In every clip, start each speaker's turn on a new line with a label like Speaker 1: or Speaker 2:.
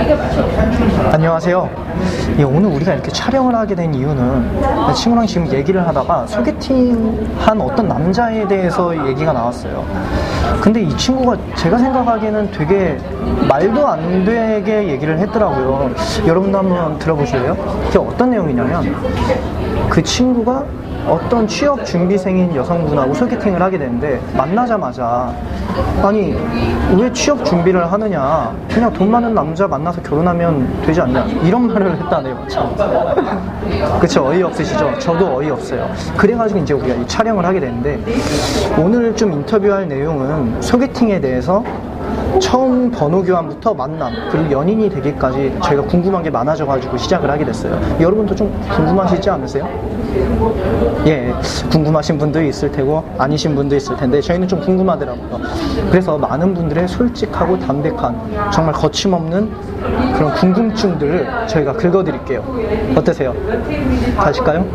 Speaker 1: 안녕하세요. 예, 오늘 우리가 이렇게 촬영을 하게 된 이유는 친구랑 지금 얘기를 하다가 소개팅한 어떤 남자에 대해서 얘기가 나왔어요. 근데 이 친구가 제가 생각하기에는 되게 말도 안 되게 얘기를 했더라고요. 여러분도 한번 들어보실래요? 그게 어떤 내용이냐면 그 친구가 어떤 취업 준비생인 여성분하고 소개팅을 하게 되는데 만나자마자 아니 왜 취업 준비를 하느냐, 그냥 돈 많은 남자 만나서 결혼하면 되지 않냐, 이런 말을 했다네요. 참 그쵸, 어이없으시죠? 저도 어이없어요. 그래가지고 이제 우리가 이 촬영을 하게 되는데 오늘 좀 인터뷰할 내용은 소개팅에 대해서 처음 번호 교환부터 만남, 그리고 연인이 되기까지 저희가 궁금한 게 많아져가지고 시작을 하게 됐어요. 여러분도 좀 궁금하시지 않으세요? 예, 궁금하신 분도 있을 테고 아니신 분도 있을 텐데 저희는 좀 궁금하더라고요. 그래서 많은 분들의 솔직하고 담백한, 정말 거침없는 그런 궁금증들을 저희가 긁어드릴게요. 어떠세요? 가실까요?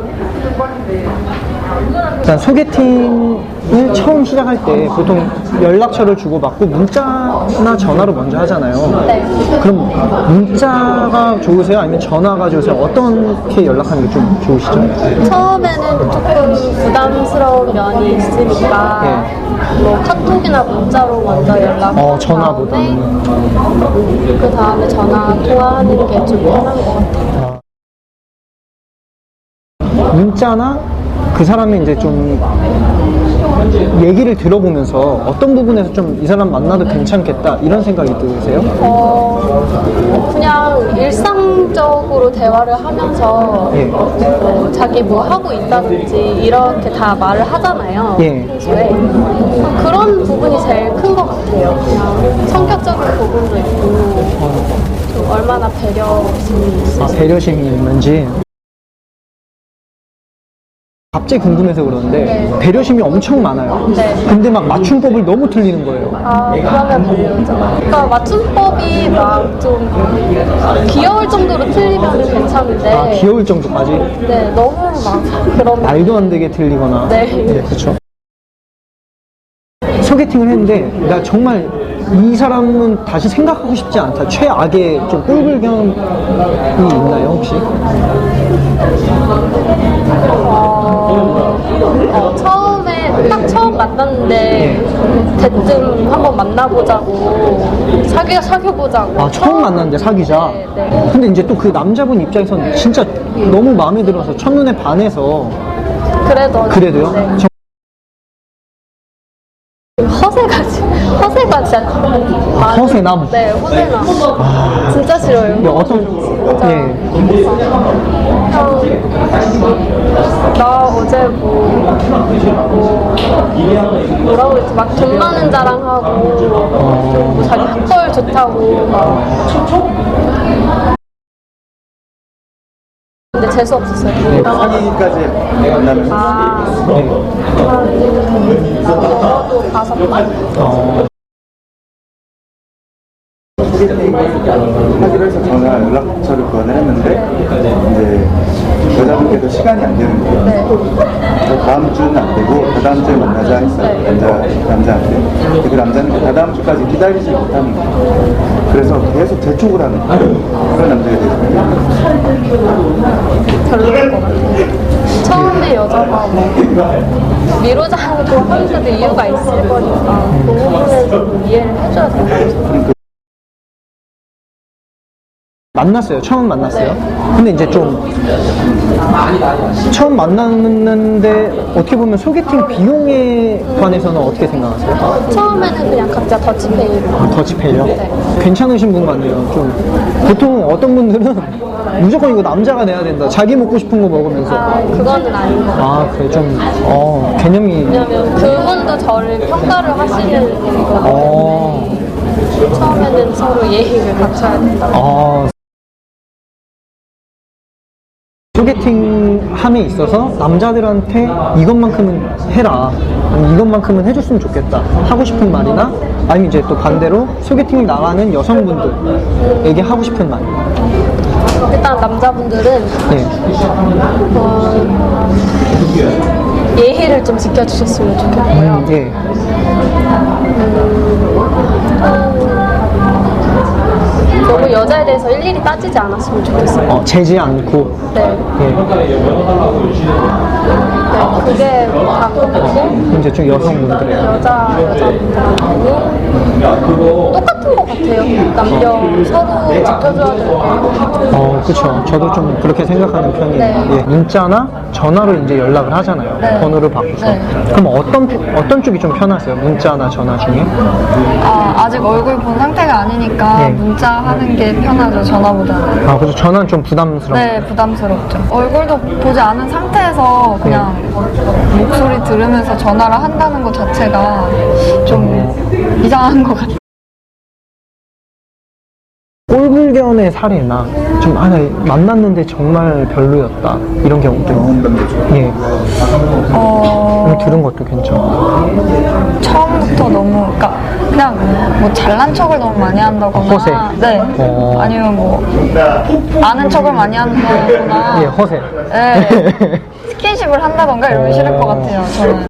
Speaker 1: 일단 소개팅을 처음 시작할 때 보통 연락처를 주고받고 문자나 전화로 먼저 하잖아요.
Speaker 2: 네.
Speaker 1: 그럼 문자가 좋으세요? 아니면 전화가 좋으세요? 어떻게 연락하는 게 좀 좋으시죠?
Speaker 2: 처음에는 조금 부담스러운 면이 있으니까 뭐 카톡이나 문자로 먼저 연락하고
Speaker 1: 전화보다는.
Speaker 2: 그 다음에 전화 통화하는 게 좀 편한 것 같아요.
Speaker 1: 문자나 그 사람의 이제 좀 얘기를 들어보면서 어떤 부분에서 좀 이 사람 만나도 괜찮겠다 이런 생각이 드세요?
Speaker 2: 그냥 일상적으로 대화를 하면서 자기 뭐 하고 있다든지 이렇게 다 말을 하잖아요. 평소에. 그런 부분이 제일 큰 것 같아요. 그냥 성격적인 부분도 있고 좀 얼마나 배려심이 있을지.
Speaker 1: 배려심이 있는지. 갑자기 궁금해서 그러는데 배려심이 엄청 많아요. 근데 막 맞춤법을 너무 틀리는 거예요.
Speaker 2: 그러면 별로죠. 그러니까 맞춤법이 막 좀 귀여울 정도로 틀리면 괜찮은데.
Speaker 1: 귀여울 정도까지?
Speaker 2: 네, 너무 막 그런.
Speaker 1: 말도 안 되게 틀리거나.
Speaker 2: 네.
Speaker 1: 그렇죠. 소개팅을 했는데 나 정말 이 사람은 다시 생각하고 싶지 않다, 최악의 좀 꿀불견이 있나요 혹시?
Speaker 2: 처음에 딱 처음 만났는데 대뜸 한번 만나보자고 사귀어보자고.
Speaker 1: 처음 만났는데 사귀자.
Speaker 2: 네.
Speaker 1: 근데 이제 또 그 남자분 입장에서는 진짜 너무 마음에 들어서 첫눈에 반해서. 그래도요?
Speaker 2: 네. 허세가 진짜
Speaker 1: 허세남?
Speaker 2: 네, 허세남. 진짜 싫어요.
Speaker 1: 어떤?
Speaker 2: 나 어제 뭐라고 했지? 막 돈 많은 자랑하고 뭐 자기 학벌 좋다고 막. 근데 재수 없었어요.
Speaker 3: 사기까지 만나면
Speaker 2: 적어도 5번?
Speaker 3: 소개팅 하기로 해서 전화 연락처를 교환을 했는데 이제 여자분께서 시간이 안 되는 거예요. 그래서 다음 주는 안 되고 다다음 주에 만나자 했어요. 남자한테. 근데 그 남자는 다다음 주까지 기다리지 못하는 거예요. 그래서 계속 재촉을 하는 거예요. 그런 남자가 되거든요.
Speaker 2: 별로일 것 같아요. 처음에 여자가 뭐 미루자고 하는데도 이유가 있을 거니까 그 부분에서 좀 이해를 해줘야 된다고 생각해요.
Speaker 1: 만났어요. 처음 만났어요. 근데 이제 좀 처음 만났는데 어떻게 보면 소개팅 비용에 관해서는 어떻게 생각하세요?
Speaker 2: 처음에는 그냥 각자 더치페이로.
Speaker 1: 더치페이요?
Speaker 2: 네.
Speaker 1: 괜찮으신 분 같네요. 좀 보통 어떤 분들은 무조건 이거 남자가 내야 된다, 자기 먹고 싶은 거 먹으면서.
Speaker 2: 그거는 아닌 것 같아요.
Speaker 1: 그래 좀 개념이.
Speaker 2: 왜냐면 그분도 저를 평가를 하시는 거고 처음에는 서로 예의를 갖춰야 된다고.
Speaker 1: 소개팅 함에 있어서 남자들한테 이것만큼은 해라, 아니면 이것만큼은 해줬으면 좋겠다 하고 싶은 말이나, 아니면 이제 또 반대로 소개팅을 나가는 여성분들에게 하고 싶은 말.
Speaker 2: 일단 남자분들은 예의를 좀 지켜주셨으면 좋겠고요. 너무 여자에 대해서 일일이 따지지 않았으면 좋겠어요.
Speaker 1: 재지 않고.
Speaker 2: 네. 네, 그게 다 그렇고
Speaker 1: 이제 좀 여성분들의
Speaker 2: 여자분들하고 똑같은 것 같아요. 남녀 서로 지켜줘야 되고.
Speaker 1: 그쵸. 저도 좀 그렇게 생각하는 편이에요.
Speaker 2: 네.
Speaker 1: 예. 문자나 전화로 이제 연락을 하잖아요.
Speaker 2: 네.
Speaker 1: 번호를 바꿔서.
Speaker 2: 네.
Speaker 1: 그럼 어떤 쪽이 좀 편하세요? 문자나 전화 중에?
Speaker 4: 아직 얼굴 본 상태가 아니니까
Speaker 1: 네.
Speaker 4: 문자 하는 게 편하죠, 전화보다는.
Speaker 1: 그래서 전화는 좀 부담스러워요.
Speaker 4: 네, 부담스럽죠. 얼굴도 보지 않은 상태에서 그냥 목소리 들으면서 전화를 한다는 것 자체가 좀 이상한 것 같아요.
Speaker 1: 꼴불견의 사례나 좀 만났는데 정말 별로였다 이런 경우도 예. 들은 것도 괜찮고
Speaker 4: 처음부터 너무, 그냥 뭐 잘난 척을 너무 많이 한다거나.
Speaker 1: 허세.
Speaker 4: 네. 아니면 뭐 아는 척을 많이 한다거나.
Speaker 1: 예, 허세.
Speaker 4: 네. 스킨십을 한다던가 이러면 싫을 것 같아요, 저는.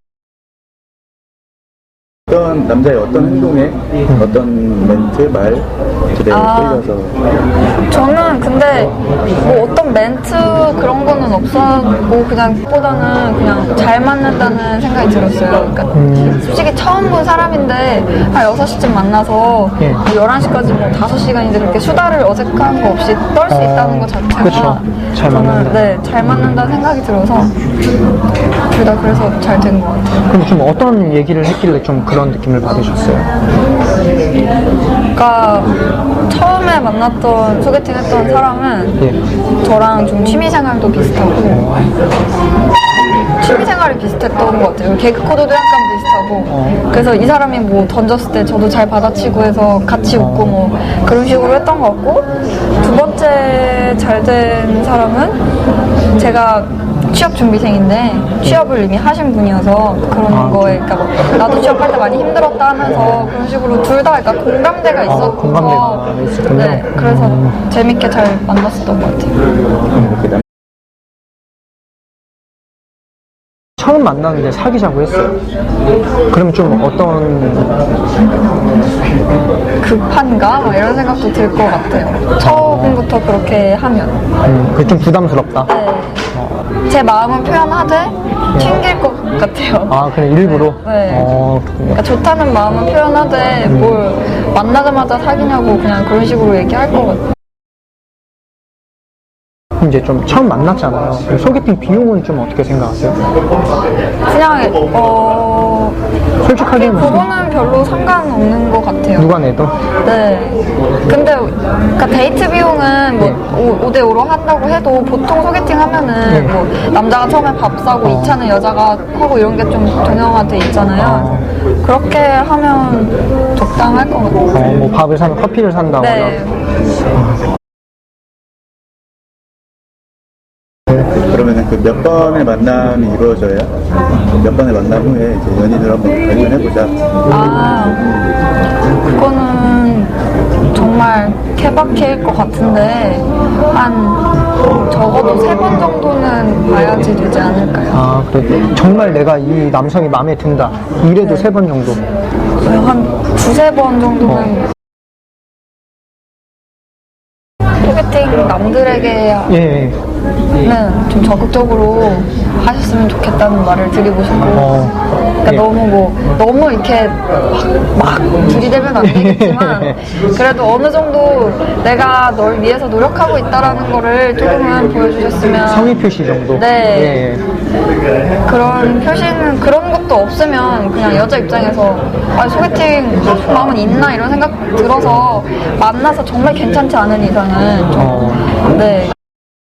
Speaker 3: 어떤 남자의 어떤 행동에 어떤 멘트, 말들에 끌려서
Speaker 4: 저는 근데 뭐 어떤 멘트 그런 거는 없었고 그보다는 그냥 잘 맞는다는 생각이 들었어요. 그러니까 솔직히 처음 본 사람인데 한 6시쯤 만나서
Speaker 1: 예.
Speaker 4: 11시까지 뭐 5시간인데 그렇게 수다를 어색한 거 없이 떨 수 있다는 것 자체가
Speaker 1: 그쵸. 잘 맞는다.
Speaker 4: 네, 잘 맞는다는 생각이 들어서 둘 다 그래서 잘 된 것 같아요.
Speaker 1: 그럼 좀 어떤 얘기를 했길래 좀 그런 느낌을 받으셨어요?
Speaker 4: 그러니까 처음에 만났던 소개팅 했던 사람은
Speaker 1: 예.
Speaker 4: 저랑 좀 취미생활도 비슷하고 취미생활이 비슷했던 것 같아요. 개그 코드도 약간 비슷하고 그래서 이 사람이 뭐 던졌을 때 저도 잘 받아치고 해서 같이 웃고 뭐 그런 식으로 했던 것 같고 두 번째 잘 된 사람은 제가 취업 준비생인데 취업을 이미 하신 분이어서 그런 거에 그러니까 뭐 나도 취업할 때 많이 힘들었다 하면서 그런 식으로 둘 다 그러니까 공감대가 있었고
Speaker 1: 공감대가 있었군요.
Speaker 4: 네, 그래서 재밌게 잘 만났었던 것 같아요.
Speaker 1: 처음 만났는데 사귀자고 했어요. 그럼 좀 어떤
Speaker 4: 급한가? 막 이런 생각도 들 것 같아요. 처음부터 그렇게 하면.
Speaker 1: 그게 좀 부담스럽다.
Speaker 4: 네. 제 마음은 표현하되 튕길 것 같아요.
Speaker 1: 그래 일부러?
Speaker 4: 네.
Speaker 1: 그렇군요.
Speaker 4: 그러니까 좋다는 마음은 표현하되 뭘 만나자마자 사귀냐고 그냥 그런 식으로 얘기할 것 같아요.
Speaker 1: 이제 좀 처음 만났잖아요. 그럼 소개팅 비용은 좀 어떻게 생각하세요?
Speaker 4: 그냥
Speaker 1: 솔직하게
Speaker 4: 그거는 별로 상관없는 것 같아요.
Speaker 1: 누가 내도?
Speaker 4: 네. 근데 그러니까 데이트 비용은 뭐 5대5로 한다고 해도 보통 소개팅 하면은 뭐 남자가 처음에 밥 사고 2차는 여자가 하고 이런 게 좀 동형화돼 있잖아요. 그렇게 하면 적당할 것 같아요.
Speaker 1: 뭐 밥을 사면 커피를 산다거나.
Speaker 4: 네.
Speaker 3: 그러면은 그 몇 번의 만남이 이루어져야 몇 번의 만남 후에 이제 연인을 한번 발견해보자.
Speaker 4: 그거는 정말 케바케일 것 같은데 한 적어도 3번 정도는 봐야지 되지 않을까요?
Speaker 1: 그래. 정말 내가 이 남성이 마음에 든다. 이래도 3번 정도.
Speaker 4: 한 2-3번 정도는 소개팅 남들에게
Speaker 1: 예.
Speaker 4: 좀 적극적으로 하셨으면 좋겠다는 말을 드리고 싶고 그러니까
Speaker 1: 예.
Speaker 4: 너무 이렇게 막 들이대면 안 되겠지만 그래도 어느 정도 내가 널 위해서 노력하고 있다라는 거를 조금은 보여주셨으면
Speaker 1: 성의 표시 정도.
Speaker 4: 네.
Speaker 1: 예.
Speaker 4: 그런 표시는 그런 것도 없으면 그냥 여자 입장에서 소개팅 마음은 있나 이런 생각 들어서 만나서 정말 괜찮지 않은 이상은 좀 네.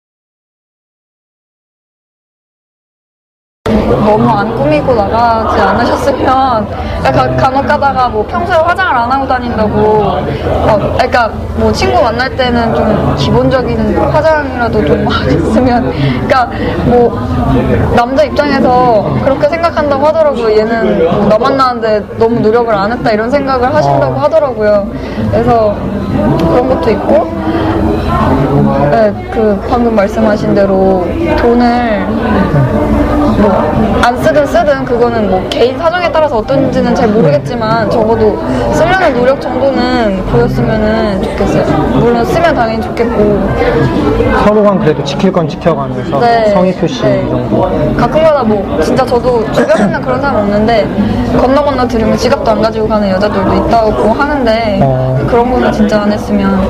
Speaker 4: 너무 안 꾸미고 나가지 않으셨으면 간혹 가다가 뭐 평소에 화장을 안 하고 다닌다고 그러니까 뭐 친구 만날 때는 좀 기본적인 화장이라도 좀 하셨으면 그러니까 뭐 남자 입장에서 그렇게 생각한다고 하더라고요. 얘는 나 만나는데 너무 노력을 안 했다 이런 생각을 하신다고 하더라고요. 그래서 그런 것도 있고 네, 그 방금 말씀하신 대로 돈을 뭐 안 쓰든 쓰든 그거는 뭐 개인 사정에 따라서 어떤지는 잘 모르겠지만 적어도 쓰려는 노력 정도는 보였으면은 좋겠어요. 물론 쓰면 당연히 좋겠고
Speaker 1: 서로 간 그래도 지킬 건 지켜가면서 성의 표시 정도.
Speaker 4: 가끔가다 뭐 진짜 저도 주변에는 그런 사람 없는데 건너 들으면 지갑도 안 가지고 가는 여자들도 있다고 하는데 그런 거는 진짜 안 했으면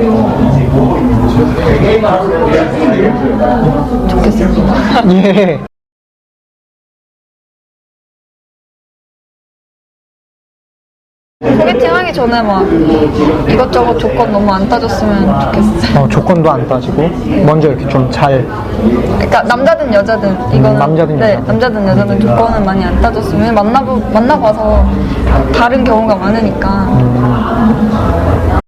Speaker 4: 좋겠습니다.
Speaker 1: 예.
Speaker 4: 소개팅 하기 전에 막 이것저것 조건 너무 안 따졌으면 좋겠어요.
Speaker 1: 조건도 안 따지고 먼저 이렇게 좀 잘.
Speaker 4: 그러니까 남자든 여자든 이거는
Speaker 1: 남자든
Speaker 4: 네,
Speaker 1: 여자든.
Speaker 4: 남자든 여자든 조건은 많이 안 따졌으면 만나봐서 다른 경우가 많으니까